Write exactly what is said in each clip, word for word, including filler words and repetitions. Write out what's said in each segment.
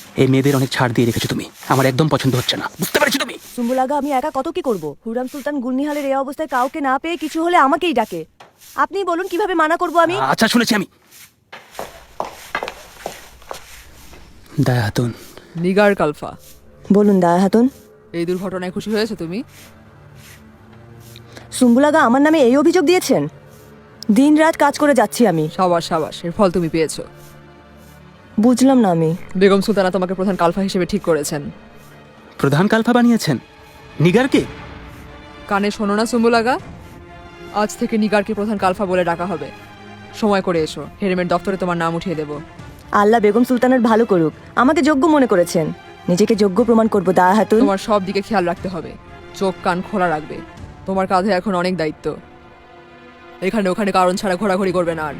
এই মেয়েদের অনেক ছাড় দিয়ে রেখেছো তুমি, আমার একদম পছন্দ হচ্ছে না, বুঝতে পেরেছো তুমি? সুম্বুল আগা, আমি একা কত কি করব? হুরাম সুলতান গুলনিহালের এই অবস্থায় কাউকে না পেয়ে কিছু হলে আমাকেই ডাকে। আপনি বলুন কিভাবে মানা করব আমি? আচ্ছা শুনেছি আমি। দায়া হাতুন। নিগার কালফা, বলুন দায়া হাতুন। এই দুর্ঘটনায় খুশি হয়েছে তুমি? সুম্বুল আগা আমার নামে এই অভিযোগ দিয়েছেন? দিন রাত কাজ করে যাচ্ছি আমি। সাবাস সাবাস, এর ফল তুমি পেয়েছো। বুঝলাম না আমি। বেগম সুলতানা তোমাকে প্রধান কালফা হিসেবে ঠিক করেছেন। প্রধান কালফা বানিয়েছেন নিগারকে? কানে শোনো না সুম্বুল আগা, আজ থেকে নিগারকে প্রধান কালফা বলে ডাকা হবে। সময় করে এসো, হেরেমের দপ্তরে তোমার নাম উঠিয়ে দেবো। আল্লাহ বেগম সুলতানের ভালো করুক। আমাকে যোগ্য মনে করেছেন, নিজেকে যোগ্য প্রমাণ করব দায়া হাতুন। তোমার সব দিকে খেয়াল রাখতে হবে, চোখ কান খোলা রাখবে। তোমার কাঁধে এখন অনেক দায়িত্ব। এখানে ওখানে কারণ ছাড়া ঘোরাঘুরি করবে না আর।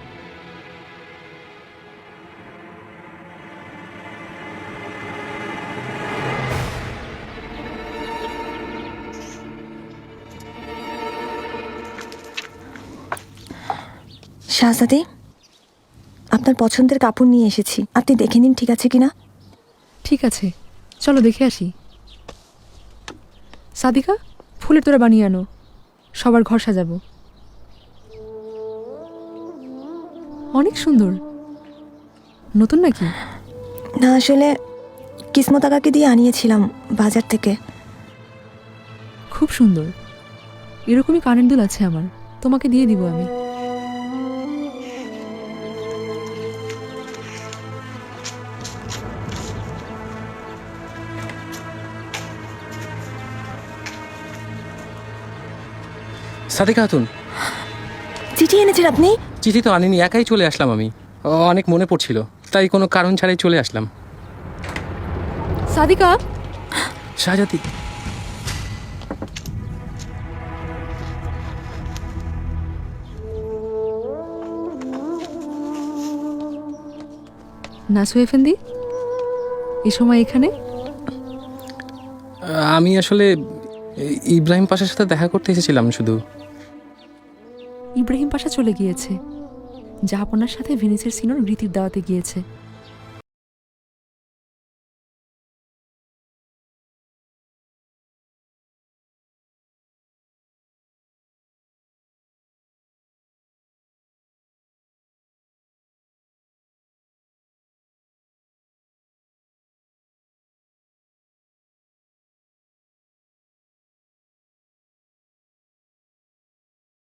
শাহজাদি, আপনার পছন্দের কাপড় নিয়ে এসেছি, আপনি দেখে নিন ঠিক আছে কিনা। ঠিক আছে, চলো দেখে আসি। সাদিকা, ফুলের তোড়া বানিয়ে আনো, সবার ঘর সাজাবো। অনেক সুন্দর, নতুন নাকি? না আসলে কিসমত আগাকে দিয়ে আনিয়েছিলাম বাজার থেকে। খুব সুন্দর, এরকমই কানের দুল আছে আমার, তোমাকে দিয়ে দিব আমি। সাদিকা খাতুন, চিঠি এনেছেন আপনি? চিঠি তো আনিনি, একাই চলে আসলাম আমি। ও, অনেক মনে পড়ছিল, তাই কোনো কারণ ছাড়াই চলে আসলাম। সাদিকা, শাহজাদি, নাসু এফেন্দি, এই সময় এখানে? আমি আসলে ইব্রাহিম পাশার সাথে দেখা করতে এসেছিলাম শুধু। ইব্রাহিম পাশা চলে গিয়েছে, জাহাপনার সাথে ভেনিসের সিনোর রীতির দাওয়াতে গিয়েছে।